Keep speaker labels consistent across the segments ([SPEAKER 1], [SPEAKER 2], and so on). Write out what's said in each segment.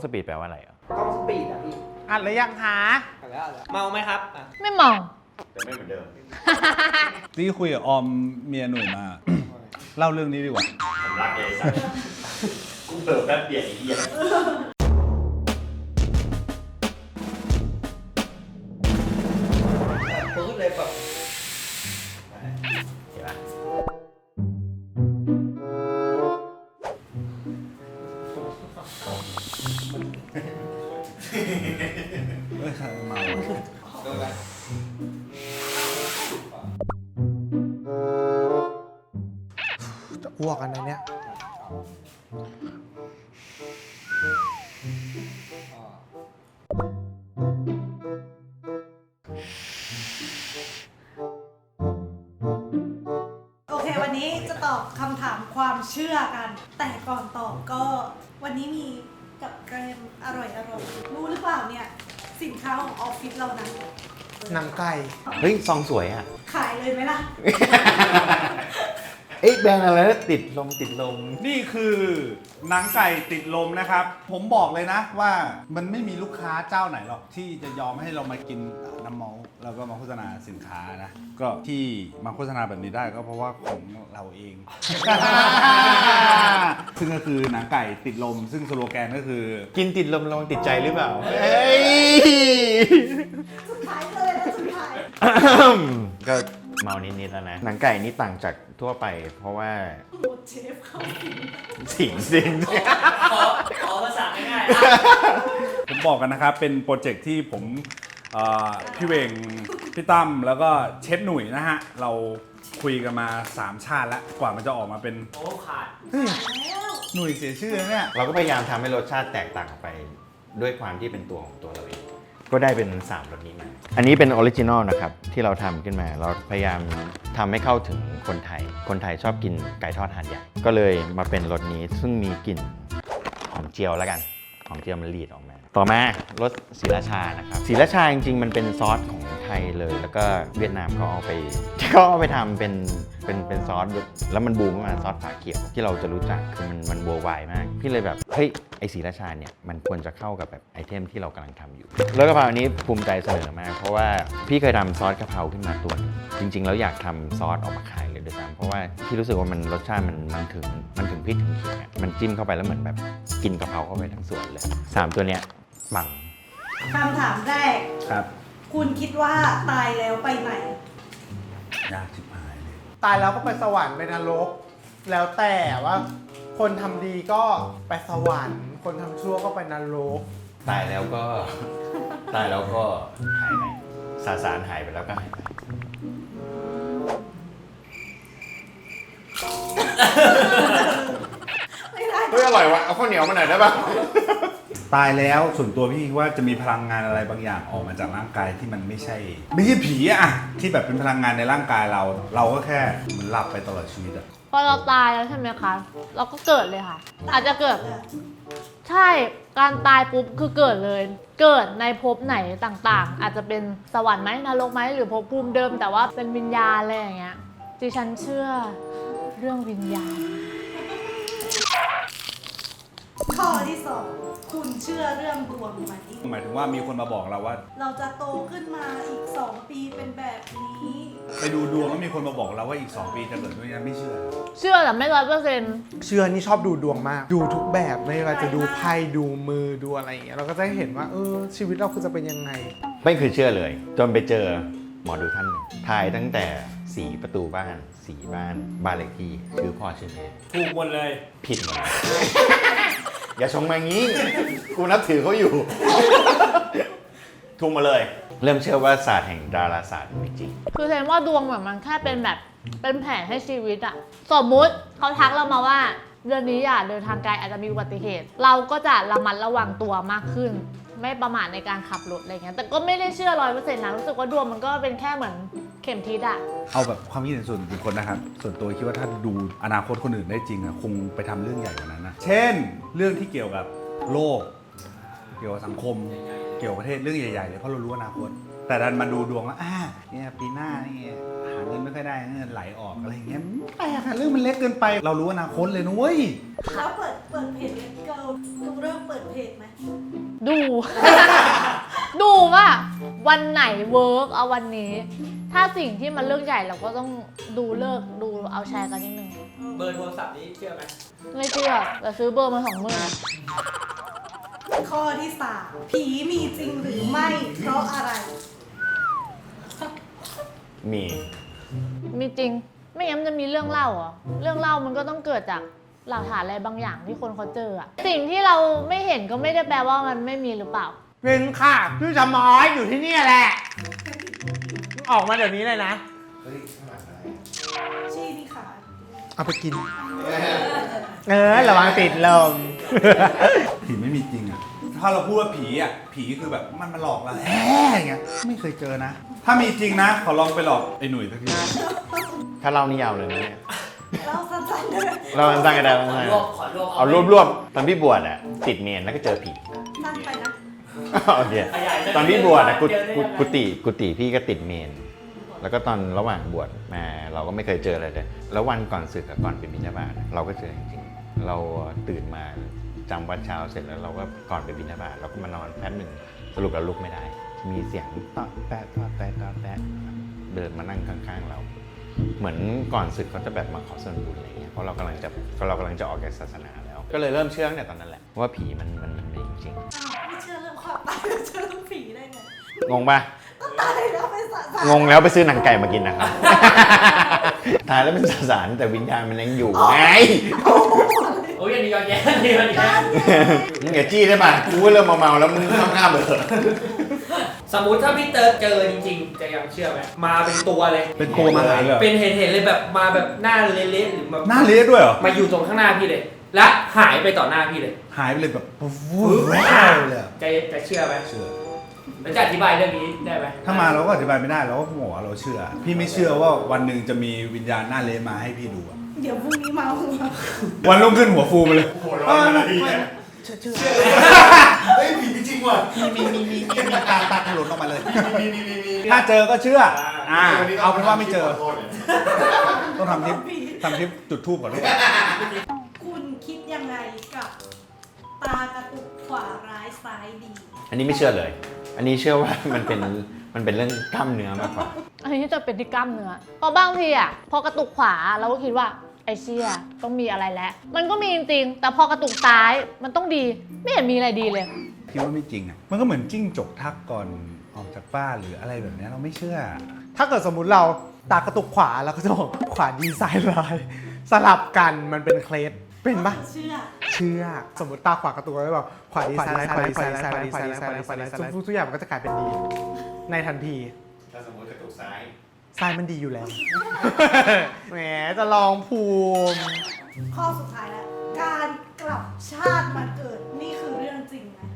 [SPEAKER 1] สปีดแปลว่าอะไรอ่ะ
[SPEAKER 2] กล้องสปีดอะพี่
[SPEAKER 3] อัดหรือยังคะ
[SPEAKER 2] อัดแล้วเมาไหมครับ
[SPEAKER 4] ไม่มอง
[SPEAKER 1] แต่ไม่เหมือนเดิม
[SPEAKER 5] ที่คุยกับออมเมียหนุ่ยมา เล่าเรื่องนี้ดีกว่า
[SPEAKER 1] ผมรักเลยสัสกูเปิดแป๊บเดียวไอ้เหี้ย
[SPEAKER 2] ปื๊ดเลยแบบ
[SPEAKER 1] เห็นปะ
[SPEAKER 5] เฮ้ยเมา
[SPEAKER 2] โดนไปจะอ้วกกันนะเนี่ย
[SPEAKER 6] โอเค วันนี้จะตอบคำถามความเชื่อกัน แต่ก่อนตอบก็วันนี้มีกับแกรมอร่อยรู้หรือเปล่าเนี่ย สินค้าของออฟฟิศเรานะ
[SPEAKER 2] หนังไก่
[SPEAKER 1] เฮ้ยซองสวยอ่ะ
[SPEAKER 6] ขายเลยไหมล่ะ
[SPEAKER 1] เอ๊ะแบรนด์อะไรนะติดลม
[SPEAKER 5] นี่คือหนังไก่ติดลมนะครับ ผมบอกเลยนะว่ามันไม่มีลูกค้าเจ้าไหนหรอกที่จะยอมให้เรามากินน้ำเมาแล้วก็มาโฆษณาสินค้านะ ก็ที่มาโฆษณาแบบนี้ได้ก็เพราะว่าของเราเอง ซึ่งก็คือหนังไก่ติดลม ซึ่งสโลแกนก็คือ
[SPEAKER 1] กินติดลมลองติดใจหรือเปล่าเอ้ย
[SPEAKER 6] สุดท้ายเลยนะสุดท้าย
[SPEAKER 1] ก็เมานิดๆแล้วนะ หนังไก่นี่ต่างจากทั่วไป เพราะว่า
[SPEAKER 6] หมดเชฟเขา
[SPEAKER 1] สิ
[SPEAKER 6] สิ
[SPEAKER 1] ง
[SPEAKER 2] ขอภาษาง่าย
[SPEAKER 5] ผมบอกกันนะครับ เป็นโปรเจกต์ที่ผมพี่เวงพี่ตั้มแล้วก็เชฟหนุ่ยนะฮะ เราคุยกันมา 3 ชาติแล้ว กว่ามันจะออกมาเป็น
[SPEAKER 2] โอ้ขาด
[SPEAKER 5] เฮ้ย
[SPEAKER 6] แล้ว
[SPEAKER 5] หนุ่ยเสียชื่อนะเนี่ย
[SPEAKER 1] เราก็พยายามทำให้รสชาติแตกต่างออกไปด้วยความที่เป็นตัวของตัวเราเอง ก็ได้เป็น3รสนี้มา อันนี้เป็นออริจินอลนะครับที่เราทำขึ้นมา เราพยายามทำให้เข้าถึงคนไทย คนไทยชอบกินไก่ทอดหาดใหญ่ ก็เลยมาเป็นรสนี้ซึ่งมีกลิ่นหอมเจียวแล้วกัน หอมเจียวมันรีดออกมา ต่อมารสศรีราชานะครับศรีราชาจริงๆมันเป็นซอสของไทยเลย แล้วก็เวียดนามเขาเอาไปทำเป็นซอสแล้วมันบูมขึ้นมาซอสฝาเขียวที่เราจะรู้จักคือมันบัววายมาก พี่เลยแบบเฮ้ยไอศรีราชาเนี่ยมันควรจะเข้ากับแบบไอเทมที่เรากำลังทำอยู่แล้วกะเพราอันนี้ภูมิใจเสนอมากเพราะว่าพี่เคยทำซอสกะเพราขึ้นมาตัวนึงจริงๆแล้วอยากทำซอสออกมาขายเลยด้วยซ้ำเพราะว่าพี่รู้สึกว่ามันรสชาติมันถึงพริกถึงขิงอ่ะมันจิ้มเข้าไปแล้วเหมือนแบบกินกะเพราเข้าไปทั้งส่วนเลย3ตัวเนี้ยปัง
[SPEAKER 6] คำถามแรก
[SPEAKER 5] ครับ
[SPEAKER 6] คุณคิดว่าตายแล้วไปไหน
[SPEAKER 5] ยากชิบหายเลย
[SPEAKER 3] ตายแล้วก็ไปสวรรค์ไปนรก แล้วแต่ว่าคนทำดีก็ไปสวรรค์ คนทำชั่วก็ไปนรก
[SPEAKER 1] ตายแล้วก็ หายไปสารหายไปแล้วก็หายไป
[SPEAKER 6] ไม่ได้
[SPEAKER 1] เฮ้ยอร่อยวะเอาข้าวเหนียวมาหน่อยได้ปะ
[SPEAKER 5] ตายแล้วส่วนตัวพี่ว่าจะมีพลังงานอะไรบางอย่างออกมาจากร่างกายที่มันไม่ใช่ผีอะที่แบบเป็นพลังงานในร่างกายเราก็แค่เหมือนหลับไปตลอดชีวิตอะ
[SPEAKER 4] พอเราตายแล้วใช่ไหมคะ เราก็เกิดเลยค่ะ อาจจะเกิด ใช่ การตายปุ๊บคือเกิดเลย เกิดในภพไหนต่างๆ อาจจะเป็นสวรรค์ไหมนรกไหมหรือภพภูมิเดิมแต่ว่าเป็นวิญญาณอะไรอย่างเงี้ยดิฉันเชื่อเรื่องวิญญาณ
[SPEAKER 6] ข้อที่สองคุณเชื่อเรื่องดวงไหม
[SPEAKER 5] หมายถึงว่ามีคนมาบอกเราว่า
[SPEAKER 6] เราจะโตขึ้นมาอีก 2 ปีเป็นแบบนี้
[SPEAKER 5] ไปดูดวงแล้วมีคนมาบอกเราว่าอีก 2 ปีจะเกิดด้วยนั้นไม่เชื่อ
[SPEAKER 4] เชื่อแต่ไม่100%
[SPEAKER 3] เชื่อนี่ชอบดูดวงมาก ดูทุกแบบไม่ว่าจะดูไพ่ดูมือดูอะไรอย่างเงี้ยเราก็จะเห็นว่าชีวิตเราคือจะเป็นยังไง
[SPEAKER 1] ไม่คือเชื่อเลย จนไปเจอหมอดูท่านหนึ่งทายตั้งแต่สีประตูบ้านสีบ้านเลขที่ชื่อพ่อชื่อแม่
[SPEAKER 2] ถูกหมดเลย
[SPEAKER 1] ผิดหมดเลย อย่าชงมางี้ กูนับถือเขาอยู่ ทุ่มมาเลย เริ่มเชื่อว่าศาสตร์แห่งดาราศาสตร์มีจริง
[SPEAKER 4] คือแสดงว่าดวงแบบมันแค่เป็นแบบเป็นแผนให้ชีวิตอะสมมุติเขาทักเรามาว่าเดือนนี้อย่าเดินทางไกลอาจจะมีอุบัติเหตุ เราก็จะระมัดระวังตัวมากขึ้น ไม่ประมาทในการขับรถอะไรเงี้ยแต่ก็ไม่ได้เชื่อ100%นะรู้สึกว่าดวงมันก็เป็นแค่เหมือนเข็มทิศอะ
[SPEAKER 5] เอาแบบความคิดเห็นส่วนบุคคลนะครับ ส่วนตัวคิดว่าถ้าดูอนาคตคนอื่นได้จริงอะคงไปทำเรื่องใหญ่กว่านั้นนะ เช่น เรื่องที่เกี่ยวกับโลก เกี่ยวกับสังคม เกี่ยวกับประเทศเรื่องใหญ่ๆเลยเพราะเรารู้อนาคต แต่ดันมาดูดวงว่าเนี่ยปีหน้านี่หาเงินไม่ค่อยได้เงินไหลออกอะไรอย่างเงี้ยแปลกอะเรื่องมันเล็กเกินไป เรารู้อนาคตเลยนุ้ย
[SPEAKER 6] แล้วเปิดเพจเล็กเกิดูเริ่มเปิดเพจไหม
[SPEAKER 4] ดู ดูว่าวันไหนเวิร์กเอาวันนี้ ถ้าสิ่งที่มันเรื่องใหญ่เราก็ต้องดูเลิกดูเอาแชร์กันนิดนึง
[SPEAKER 2] เบอร์โทรศัพท์นี้เชื่อไหม
[SPEAKER 4] ไม่เชื่อแต่ซื้อเบอร์มา20,000
[SPEAKER 6] ข้อที่ 3 ผีมีจริงหรือไม่เพราะอะไร
[SPEAKER 1] มี
[SPEAKER 4] มีจริง ไม่งั้นมันจะมีเรื่องเล่าเหรอเรื่องเล่ามันก็ต้องเกิดจากหลักฐานอะไรบางอย่างที่คนเขาเจออะสิ่งที่เราไม่เห็นก็ไม่ได้แปลว่ามันไม่มีหรือเปล่า
[SPEAKER 3] เป็นค่ะพี่จะมอยอยู่ที่นี่แหละ ออกมาเดี๋ยวนี้เลยนะ
[SPEAKER 6] ชี้นี่ค่ะ
[SPEAKER 3] เอาไปกิน ระวังติดลม
[SPEAKER 5] ผีไม่มีจริงอ่ะ ถ้าเราพูดว่าผีอ่ะ ผีคือแบบมันหลอกเราอย่างเงี้ย ไม่เคยเจอนะ ถ้ามีจริงนะ ขอลองไปหลอกไอ้หนุ่ยสักที
[SPEAKER 1] ถ้าเล่านี่ยาวเลยนะเนี่ย
[SPEAKER 6] เราสั้นๆเลย
[SPEAKER 1] เราสร้างกันได้เราสร้าง
[SPEAKER 2] ขอรวบ
[SPEAKER 1] เอารวบตอนพี่บวชอ่ะติดเมนแล้วก็เจอผี
[SPEAKER 6] สั้นไปนะ
[SPEAKER 1] โอเค
[SPEAKER 2] ขยายได้
[SPEAKER 1] ตอนพี่บวชอ่ะ
[SPEAKER 2] เจอได้ไหม
[SPEAKER 1] กุฏิพี่ก็ติดเมน แล้วก็ตอนระหว่างบวชมาเราก็ไม่เคยเจออะไรเลยแล้ววันก่อนศึกกับก่อนไปบิณฑบาตเราก็เจอจริงๆเราตื่นมาจำวัดเช้าเสร็จแล้วเราก็ก่อนไปบิณฑบาตเราก็มานอนแป๊บหนึ่งสรุปเราลุกไม่ได้ มีเสียงตอแตะตอแตะตอแตะเดินมานั่งข้างๆเรา เหมือนก่อนศึกเขาจะแบบมาขอส่วนบุญอะไรเงี้ยเพราะเรากำลังจะออกจากศาสนาแล้ว ก็เลยเริ่มเชื่อตั้งแต่ตอนนั้นแหละว่าผีมันมีจริง
[SPEAKER 6] อ้าวไม่เชื่อเรื่องความตายเชื่อเรื่องผีได้ไง
[SPEAKER 1] ๆงงปะ
[SPEAKER 6] ก็ตายแล้วไปสะสาง
[SPEAKER 1] งแล้วไปซื้อหนังไก่มากินนะครับ ตายแล้วเป็นสสารแต่วิญญาณมันยังอยู่ไง
[SPEAKER 2] โอ้ยอันนี้ย้อนแย้งอันนี้ย้อนแย้ง
[SPEAKER 1] มึงอย่าจี้ได้ป่ะกูก็เริ่มเมาๆแล้วมึงข้ามๆเลย
[SPEAKER 2] สมมุติถ้าพี่เติร์ดเจอจริงๆ จะยังเชื่อไหมมาเป็นตัวเลย
[SPEAKER 5] เป็นตัวมาหาเลยเหรอ
[SPEAKER 2] เป็นเห็นเลยแบบมาแบบหน้าเละๆหรือแบบ
[SPEAKER 5] หน้าเละด้วยเหรอ
[SPEAKER 2] มาอยู่ตรงข้างหน้าพี่เลย และหายไปต่อหน้าพี่เลย
[SPEAKER 5] หายไปเลยแบบวูบเลยอะ
[SPEAKER 2] จะเชื่อไหม
[SPEAKER 5] เชื่อ
[SPEAKER 2] แล้วจะอธิบายเรื่องนี้ได้ไหม
[SPEAKER 5] ถ้ามาเราก็อธิบายไม่ได้เราก็บอกว่าเราเชื่อ พี่ไม่เชื่อว่าวันหนึ่งจะมีวิญญาณหน้าเละมาให้พี่ดูอะ
[SPEAKER 6] เดี๋ยวพรุ่งนี้มาหัว
[SPEAKER 5] วันรุ่งขึ้นหัวฟูไปเลย
[SPEAKER 1] เฮ้ยผีจริงว่ะ
[SPEAKER 5] มีตาถลนออกมาเลย ถ้าเจอก็เชื่อ เอาเป็นว่าไม่เจอ ต้องทำคลิปจุดทูบก่อนด้วย
[SPEAKER 6] คุณคิดยังไงกับตากระตุกขวาร้ายซ้ายดี
[SPEAKER 1] อันนี้ไม่เชื่อเลย อันนี้เชื่อว่ามันเป็นเรื่องกล้ามเนื้อมากกว่า
[SPEAKER 4] อันนี้จะเป็นที่กล้ามเนื้อเพราะบางทีอ่ะพอกระตุกขวาเราก็คิดว่าไอเชี่ยต้องมีอะไรแล้ว มันก็มีจริงๆแต่พอกระตุกซ้ายมันต้องดีไม่เห็นมีอะไรดีเลย
[SPEAKER 5] คิดว่าไม่จริงอ่ะ มันก็เหมือนจิ้งจกทักก่อนออกจากบ้านหรืออะไรแบบนี้เราไม่เชื่อ
[SPEAKER 3] ถ้าเกิดสมมุติเราตากระตุกขวาเราก็จะบอกขวาดีซ้ายร้าย สลับกันมันเป็นเคล็ดเป็นปะ
[SPEAKER 6] เชื่อ
[SPEAKER 3] เชื่อ สมมติตาขวากระตุกแล้วบอกขวาดีซ้ายร้ายขวาดีซ้ายร้ายขวาดีซ้ายร้ายขวาดีซ้ายร้ายทุกอย่างมันก็จะกลายเป็นดี ในทันที
[SPEAKER 1] ถ้าสมมติกระตุกซ้าย
[SPEAKER 3] ซ้ายมันดีอยู่แล้ว แหมจะลองภูมิ
[SPEAKER 6] ข้อสุดท้ายแล้ว การกลับชาติมาเกิดนี่คือเรื่องจริงไหม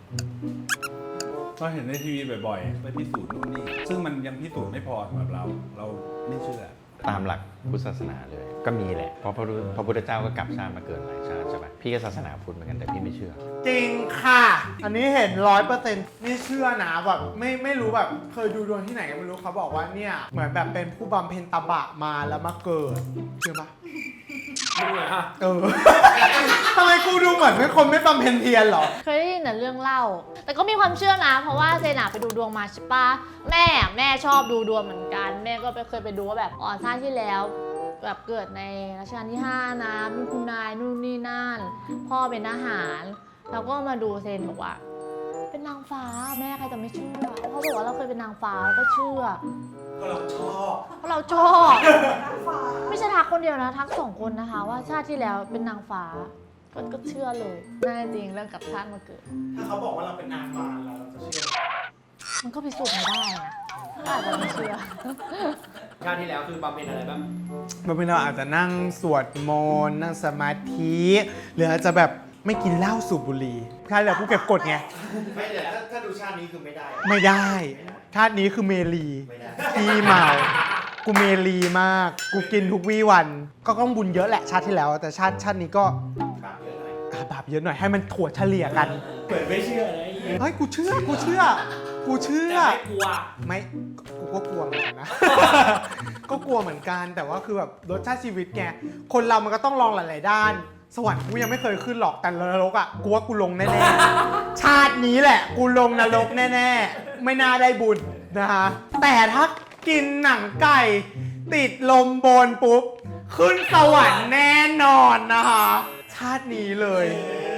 [SPEAKER 5] ก็เห็นในทีวีบ่อยๆ ไปพิสูจน์นู่นนี่ ซึ่งมันยังพิสูจน์ไม่พอสำหรับเราไม่เชื่อ
[SPEAKER 1] ตามหลักพุทธศาสนาเลย ก็มีแหละ เพราะพระพุทธเจ้าก็กลับชาติมาเกิดหลายชาติใช่ปะพี่ก็ศาสนาพุทธเหมือนกันแต่พี่ไม่เชื่อ
[SPEAKER 3] จริงค่ะ อันนี้เห็น100%นี่เชื่อนะแบบไม่รู้แบบเคยดูดวงที่ไหนก็ไม่รู้เขาบอกว่าเนี่ยเหมือนแบบเป็นผู้บำเพ็ญตบะมาแล้วมาเกิดเชื่อปะ
[SPEAKER 2] ดูหน่อยฮะ
[SPEAKER 3] ทำไมกูดูเหมือนเป็นคนไม่บำเพ็ญเพียรเหรอ
[SPEAKER 4] เคยได้ยินแต่เรื่องเล่า แต่ก็มีความเชื่อนะ เพราะว่าเซนาไปดูดวงมาใช่ปะแม่ชอบดูดวงเหมือนกัน แม่ก็เคยไปดูว่าแบบชาติที่แล้วแบบเกิดในรัชกาลที่ 5 นะมีคุณนายนู่นนี่นั่น พ่อเป็นทหารแล้วก็มาดูเซนบอกว่า เป็นนางฟ้าแม่ใครจะไม่เชื่อเขาบอกว่าเราเคยเป็นนางฟ้าแล้วก็เชื่อ เพราะเราชอบ
[SPEAKER 6] นางฟ้า
[SPEAKER 4] ไม่ใช่ทักคนเดียวนะทัก2 คนนะคะ ว่าชาติที่แล้วเป็นนางฟ้าก็เชื่อเลยน่าจริงเรื่องกับชาติมาเกิด
[SPEAKER 3] ถ้าเขาบอกว่าเราเป็นนางมารเราจะเชื่อ
[SPEAKER 4] มันก็พิสูจน์ไม่ได้นะอาจจะไม่เชื่อ
[SPEAKER 2] ชาติที่แล้วคือบำเพ็ญอะไรบ้าง
[SPEAKER 3] บางทีเราอาจจะนั่งสวดมนต์นั่งสมาธิหรืออาจจะแบบไม่กินเหล้าสูบบุหรี่ใช่แหละผู้เก็บกฎไง
[SPEAKER 1] ไม่แต่ถ้าดูชาตินี้คือไม่ได้
[SPEAKER 3] ไม่ได้ชาตินี้คือเมลี
[SPEAKER 1] ไม่ได้
[SPEAKER 3] พี่เมากูเมลีมาก กูกินทุกวี่วัน ก็ต้องบุญเยอะแหละชาติที่แล้ว แต่ชาตินี้ก็
[SPEAKER 1] บาปเยอะหน่อย
[SPEAKER 3] บาปเยอะหน่อยให้มันถั่วเฉลี่ยกัน
[SPEAKER 2] เปิดไม่เชื่อเลย
[SPEAKER 3] เฮ้ยกูเชื่อ
[SPEAKER 2] แต่ไม่กลัว
[SPEAKER 3] ไม่กูก็กลัวเหมือนกันนะ ก็กลัวเหมือนกันแต่ว่าคือแบบรสชาติชีวิตไงคนเรามันก็ต้องลองหลายๆด้านสวรรค์กูยังไม่เคยขึ้นหรอกแต่นรกอ่ะกูว่ากูลงแน่ๆ ชาตินี้แหละ กูลงนรกแน่ๆ ไม่น่าได้บุญนะฮะแต่ถ้ากินหนังไก่ ติดลมบนปุ๊บ ขึ้นสวรรค์แน่นอนนะคะชาตินี้เลย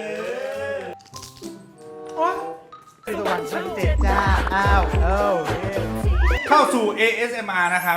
[SPEAKER 3] โอ๊ยสวรรค์ชั้นเจ็ดจ้าอ้าวเย้
[SPEAKER 5] เข้าสู่ ASMR นะครับ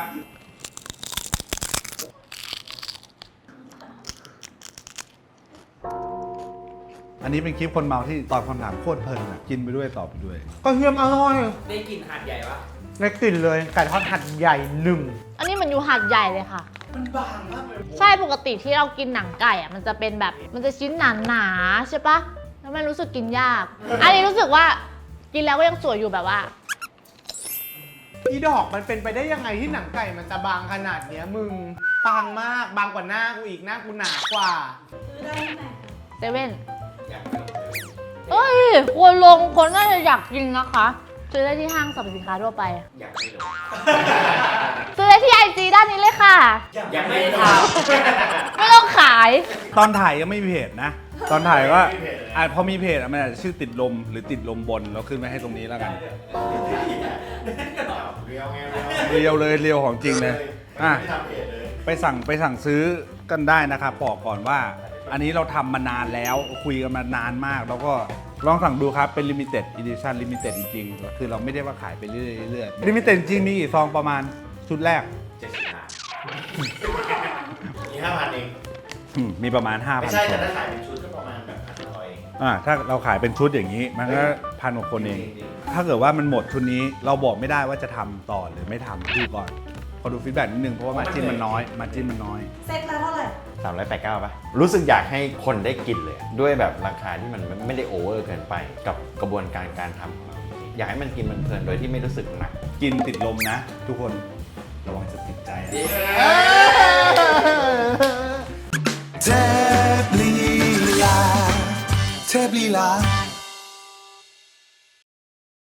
[SPEAKER 5] อันนี้เป็นคลิปคนเมาที่ตอบคำถามโคตรเพลินอะกินไปด้วยตอบไปด้วย
[SPEAKER 3] ก็เทียมอร่อย
[SPEAKER 2] ได้กลิ่นหาดใหญ่ปะ
[SPEAKER 3] ได้กลิ่นเลยไก่ทอดหัดใหญ่หนึ่ง
[SPEAKER 4] อันนี้มันอยู่หาดใหญ่เลยค่ะ
[SPEAKER 3] มันบางมากเลย
[SPEAKER 4] ใช่ปกติที่เรากินหนังไก่อะมันจะเป็นแบบมันจะชิ้นหนาๆใช่ปะแล้วมันรู้สึกกินยาก อันนี้รู้สึกว่ากินแล้วก็ยังสวยอยู่แบบว่า
[SPEAKER 3] อีดอกมันเป็นไปได้ยังไงที่หนังไก่มันจะบางขนาดเนี้ยมึงบางมากบางกว่าหน้ากูอีกหน้ากูหนากว่า
[SPEAKER 6] ซื้อได้ที่ไหน
[SPEAKER 4] เซเว่น
[SPEAKER 2] อยากไปลองเลย
[SPEAKER 4] เอ้ยควรลงคนน่าจะอยากกินนะคะซื้อได้ที่ห้างสรรพสินค้าทั่วไป
[SPEAKER 2] อยากไปลอง
[SPEAKER 4] ซื้อได้ที่ไอจีด้านนี้เลยค่ะ
[SPEAKER 2] ยังไม่ได้ท
[SPEAKER 4] ไม่ต้องขาย
[SPEAKER 5] ตอนถ่ายยังไม่มีเพจนะ ตอนถ่ายว่าพอมีเพจอะมันอาจจะชื่อติดลมหรือติดลมบนเราขึ้นไว้ให้ตรงนี้แล้วกัน เรียวเลยเรียวของจริงเลยอ่ะไปสั่งซื้อกันได้นะครับบอกก่อนว่า อันนี้เราทำมานานแล้วคุยกันมานานมาก แล้วก็ลองสั่งดูครับเป็น limited edition limited จริงๆคือเราไม่ได้ว่าขายไปเรื่อยๆ limited จริงมีกี่ซองประมาณชุดแรก
[SPEAKER 1] มี5,000 เอง
[SPEAKER 5] มีประมาณ 5,000
[SPEAKER 1] ไม่ใช่
[SPEAKER 5] ซ
[SPEAKER 1] แต่
[SPEAKER 5] อง
[SPEAKER 1] ถ้าขายเป็นชุดก็ประมาณแบบ1,000 เอง
[SPEAKER 5] ถ้าเราขายเป็นชุดอย่างนี้ มันก็1,000 กว่าคนเอง ถ้าเกิดว่ามันหมดชุดนี้เราบอกไม่ได้ว่าจะทำต่อหรือไม่ทำดูก่อนขอดูฟีดแบ็กนิดนึงเพราะว่ามาจิ้นมันน้อย
[SPEAKER 6] เซ็ตละเท่าไหร่
[SPEAKER 1] 389 ป่ะ รู้สึกอยากให้คนได้กินเลย ด้วยแบบราคาที่มันไม่ได้โอเวอร์เกินไป กับกระบวนการการทำของเราอยากให้มันกินมันเพลินโดยที่ไม่รู้สึกหนัก
[SPEAKER 5] กินติดลมนะ ทุกคนระวังจะติดใจอะ
[SPEAKER 7] เทพลีลา